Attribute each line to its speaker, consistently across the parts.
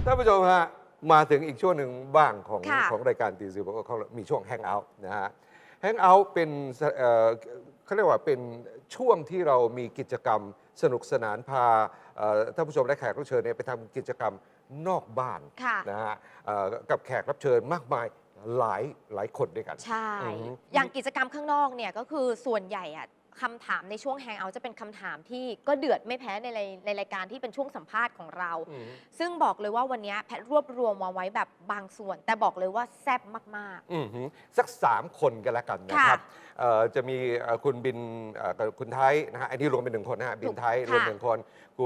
Speaker 1: ท่านผู้ชมฮะมาถึงอีกช่วงหนึ่งบ้างของรายการตีสิบบอกว่าเขามีช่วงแฮงเอาท์นะฮะแฮงเอาท์เป็นเขาเรียกว่าเป็นช่วงที่เรามีกิจกรรมสนุกสนานพาท่านผู้ชมและแขกรับเชิญไปทำกิจกรรมนอกบ้านนะฮะกับแขกรับเชิญมากมายหลายคนด้วยกัน
Speaker 2: ใช่อย่างกิจกรรมข้างนอกเนี่ยก็คือส่วนใหญ่อะคำถามในช่วงแฮงเอาท์จะเป็นคำถามที่ก็เดือดไม่แพ้ในรายการที่เป็นช่วงสัมภาษณ์ของเราซึ่งบอกเลยว่าวันนี้แพทรวบรวมมาไว้แบบบางส่วนแต่บอกเลยว่าแซ่บมาก
Speaker 1: ๆสัก3 คนกันแล้วกันนะครับจะมีคุณบินคุณไทยนะฮะอันนี้รวมเป็น1 คนนะฮะบินไทยรวม1 คน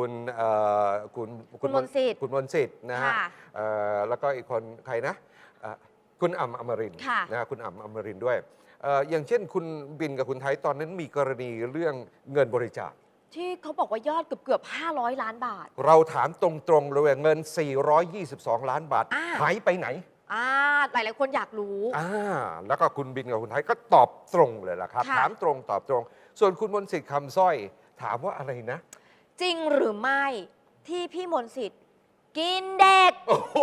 Speaker 1: คุณมนต์สิทธิ์นะฮะแล้วก็อีกคนใครนะคุณอ่ำอมรินทร์นะคุณอ่ำอมรินทร์ด้วยอย่างเช่นคุณบินกับคุณไทยตอนนั้นมีกรณีเรื่องเงินบริจาค
Speaker 2: ที่เขาบอกว่ายอดเกือบ500 ล้านบาท
Speaker 1: เราถามตรงๆเลยเงิน422 ล้านบาทหายไปไหน
Speaker 2: หลายคนอยากรู้
Speaker 1: แล้วก็คุณบินกับคุณไทยก็ตอบตรงเลยล่ะครับถามตรงตอบตรงส่วนคุณมนต์สิทธิ์คำสร้อยถามว่าอะไรนะ
Speaker 2: จริงหรือไม่ที่พี่มนต์สิทธิ์กินเด็ก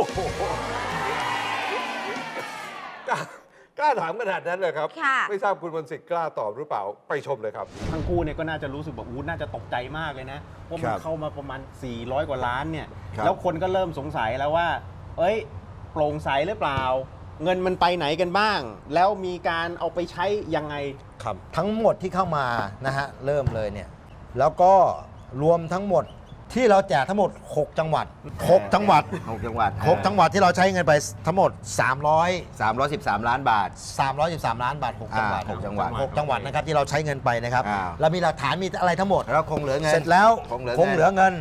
Speaker 1: กล้าถามขนาดนั้นเลยครับไม่ทราบคุณมนต์สิทธิ์กล้าตอบหรือเปล่าไปชมเลยครับ
Speaker 3: ทั้งคู่เนี่ยก็น่าจะรู้สึกแบบน่าจะตกใจมากเลยนะว่ามันเข้ามาประมาณ400 กว่าล้านเนี่ยแล้วคนก็เริ่มสงสัยแล้วว่าโปร่งใสหรือเปล่าเงินมันไปไหนกันบ้างแล้วมีการเอาไปใช้ยังไง
Speaker 4: ครับทั้งหมดที่เข้ามานะฮะเริ่มเลยเนี่ยแล้วก็รวมทั้งหมดที่เราแจกทั้งหมด6 จังหวัดที่เราใช้เงินไปทั้งหมด
Speaker 5: 313 ล้านบาท
Speaker 4: 313 ล้านบาท6 จังหวัดนะครับที่เราใช้เงินไปนะครับเรามีหลักฐานมีอะไรทั้งหมด
Speaker 5: แล้วคงเหลือเงิน
Speaker 4: เสร็จแล้วคงเหลือเงิน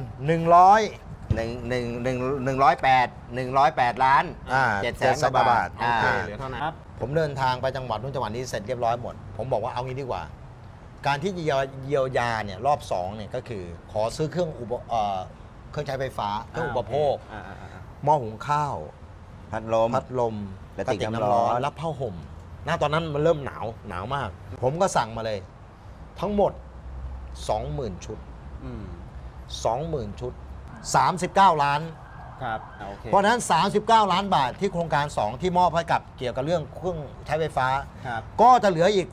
Speaker 5: 108 ล้าน700,000 กว่าบาท
Speaker 3: เหลือเท่านั้น
Speaker 4: ผมเดินทางไปจังหวัดนู้นจังหวัดนี้เสร็จเรียบร้อยหมดผมบอกว่าเอางี้ดีกว่าการที่เยียวยาเนี่ยรอบ2เนี่ยก็คือขอซื้อเครื่องใช้ไฟฟ้าเครื่องอุปโภคหม้อหุงข้าว
Speaker 5: พัดลม
Speaker 4: กระติกน้ำร้อนรับผ้าห่มตอนนั้นมันเริ่มหนาวมากผมก็สั่งมาเลยทั้งหมด 20,000 ชุด20,000 ชุด39 ล้าน
Speaker 3: ครับ
Speaker 4: เพราะนั้น39 ล้านบาทที่โครงการ2ที่มอบให้กับเกี่ยวกับเรื่องเครื่องใช้ไฟฟ้าก็จะเหลืออีก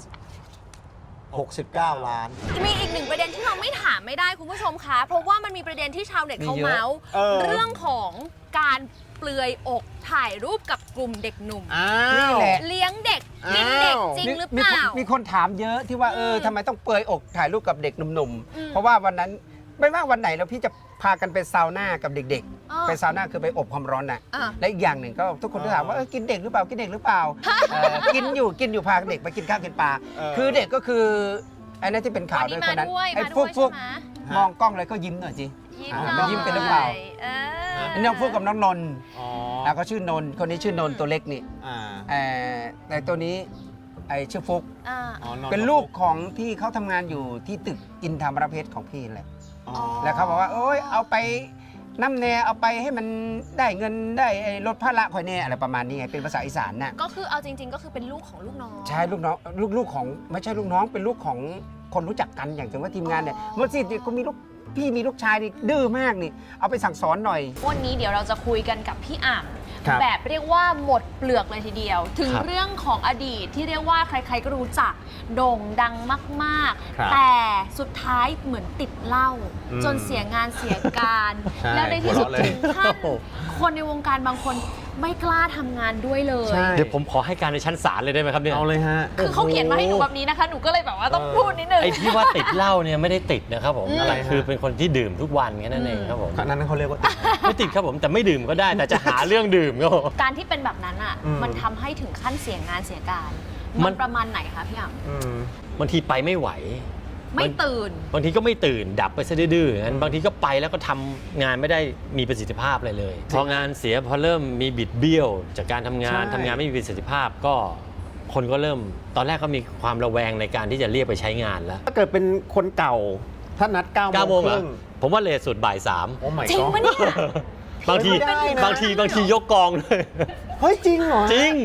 Speaker 4: 69 ล้าน
Speaker 2: มีอีก1ประเด็นที่เราไม่ถามไม่ได้คุณผู้ชมคะเพราะว่ามันมีประเด็นที่ชาวเน็ตเขาเมาส์เรื่องของการเปลือยอกถ่ายรูปกับกลุ่มเด็กหนุ่ม
Speaker 3: นี่แหละ
Speaker 2: เลี้ยงเด็กกินเด็กจริงหรือเปล่า
Speaker 3: มีคนถามเยอะที่ว่าทำไมต้องเปลือยอกถ่ายรูปกับเด็กหนุ่มๆเพราะว่าวันนั้นไม่ว่าวันไหนแล้วพี่จะพากันไปซาวน่ากับเด็กๆไปซาวน่าคือไปอบความร้อนน่ะและอีกอย่างหนึ่งก็ทุกคนถามว่ากินเด็กหรือเปล่ากินอยู่กินอยู่พาเด็กไปกินข้าวกินปลาคือเด็กก็คือไอ้นั่นที่เป็นข่าวด้วยคนนั้นไอ้พวกมองกล้องเลยก็ยิ้มหน่อยสิมันยิ้มเป็นหรือเปล่าน้องพวกกับน้องนนท์แล้วก็ชื่อนนท์คนนี้ชื่อนนท์ตัวเล็กนี่แต่ตัวนี้ไอ้ชื่อฟุกเป็นลูกของที่เขาทำงานอยู่ที่ตึกอินทามรเพชรของพี่แหละแล้วเขาบอกว่าเอาไปน้ำแน่เอาไปให้มันได้เงินได้ลดภาระคอยแน่อะไรประมาณนี้ไงเป็นภาษาอีสานน่ะ
Speaker 2: ก็คือเอาจริงๆก็คือเป็นลูกของลูกน้อง
Speaker 3: ใช่ลูกน้องลูกของไม่ใช่ลูกน้องเป็นลูกของคนรู้จักกันอย่างเช่นว่าทีมงานเนี่ยเมื่อสิก็มีพี่มีลูกชายนี่ดื้อมากนี่เอาไปสั่งสอนหน่อย
Speaker 2: วันนี้เดี๋ยวเราจะคุยกันกับพี่อ่ำแบบเรียกว่าหมดเปลือกเลยทีเดียวถึงเรื่องของอดีตที่เรียกว่าใครๆก็รู้จักโด่งดังมากๆแต่สุดท้ายเหมือนติดเหล้าจนเสียงานเสียการแล้วในที่สุดถึงขั้นคนในวงการบางคนไม่กล้าทำงานด้วยเลย
Speaker 6: เดี๋ยวผมขอให้การในชั้นศาลเลยได้ไหมครับเนี่ย
Speaker 3: เอาเลยฮะ
Speaker 2: คือเขาเขียนมาให้หนูแบบนี้นะคะหนูก็เลยแบบว่าต้องพูดนิดนึง
Speaker 6: ไอ้ที่ว่าติดเหล้าเนี่ยไม่ได้ติดนะครับผมอะไรคือเป็นคนที่ดื่มทุกวันแค่นั้นเองครับผม
Speaker 3: นั้นเขาเรียกว่าติด
Speaker 6: ไม่ติดครับผมแต่ไม่ดื่มก็ได้แต่จะหาเรื่องดื่มก็
Speaker 2: การที่เป็นแบบนั้นอ่ะมันทำให้ถึงขั้นเสียงานเสียการมันประมาณไหนคะพี่อ่
Speaker 6: ำบางทีไปไม่ไหว
Speaker 2: ไม่ตื่น
Speaker 6: บางทีก็ไม่ตื่นดับไปซะดื้อๆงั้นบางทีก็ไปแล้วก็ทำงานไม่ได้มีประสิทธิภาพอะไรเลยพองานเสียพอเริ่มมีบิดเบี้ยวจากการทำงานไม่มีประสิทธิภาพก็คนก็เริ่มตอนแรกก็มีความระแวงในการที่จะเรียกไปใช้งานแล้ว
Speaker 3: ถ้าเกิดเป็นคนเก่าถ้านัด9 โมง
Speaker 6: ผมว่าเลทสุดบ่าย 3
Speaker 2: จริงปะเนี่ย
Speaker 6: บางทียกกองเลย
Speaker 3: เฮ้ยจริงเหรอ
Speaker 6: จริง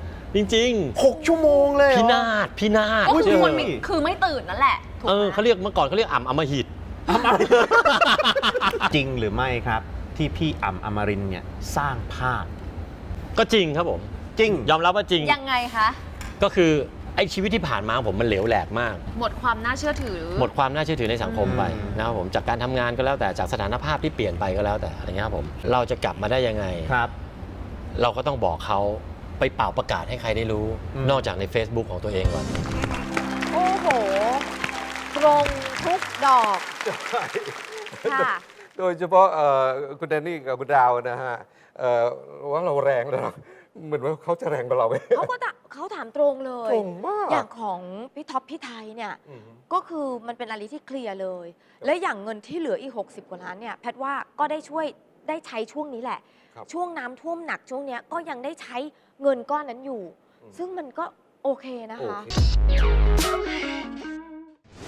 Speaker 3: 6 ชั่วโมงเลย
Speaker 6: พินาศ
Speaker 2: ก็คือไม่ตื่นนั่นแหละ
Speaker 6: เขาเรียกเมื่อก่อนเขาเรียกอ่ำอมหิต
Speaker 3: จริงหรือไม่ครับ
Speaker 7: ที่พี่อ่ำอมรินทร์เนี่ยสร้างภาพ
Speaker 6: ก็จริงครับผม
Speaker 7: จริง
Speaker 6: ยอมรับว่าจริง
Speaker 2: ยังไงคะ
Speaker 6: ก็คือไอ้ชีวิตที่ผ่านมาของผมมันเหลวแหลกมาก
Speaker 2: หมดความน่าเชื่อถือ
Speaker 6: หมดความน่าเชื่อถือในสังคมไป
Speaker 7: อืม
Speaker 6: นะครับผมจากการทำงานก็แล้วแต่จากสถานภาพที่เปลี่ยนไปก็แล้วแต่อะไรเงี้ยครับผมเราจะกลับมาได้ยังไง
Speaker 7: ครับ
Speaker 6: เราก็ต้องบอกเขาไปเป่าประกาศให้ใครได้รู้
Speaker 7: อืม
Speaker 6: นอกจากใน Facebook ของตัวเองก่อน
Speaker 2: โอ้โหตรงทุกดอกค่ะ
Speaker 1: โดยเฉพาะคุณแดนนี่กับคุณดาวนะฮะว่าเราแรงแล้วเหมือนว่าเขาจะแรงกว่าเราไหม
Speaker 8: เขาถามตรงเลย
Speaker 1: ตรงมาก
Speaker 8: อย่างของพี่ท็อปพี่ไทยเนี่ยก็คือมันเป็นอะไรที่เคลียร์เลย และอย่างเงินที่เหลืออีก 60 กว่าล้านเนี่ยแพทย์ว่าก็ได้ช่วยได้ใช้ช่วงนี้แหละ
Speaker 1: ครับ
Speaker 8: ช่วงน้ำท่วมหนักช่วงเนี้ยก็ยังได้ใช้เงินก้อนนั้นอยู่ ซึ่งมันก็โอเคนะ
Speaker 1: โอ
Speaker 8: คะ
Speaker 1: เค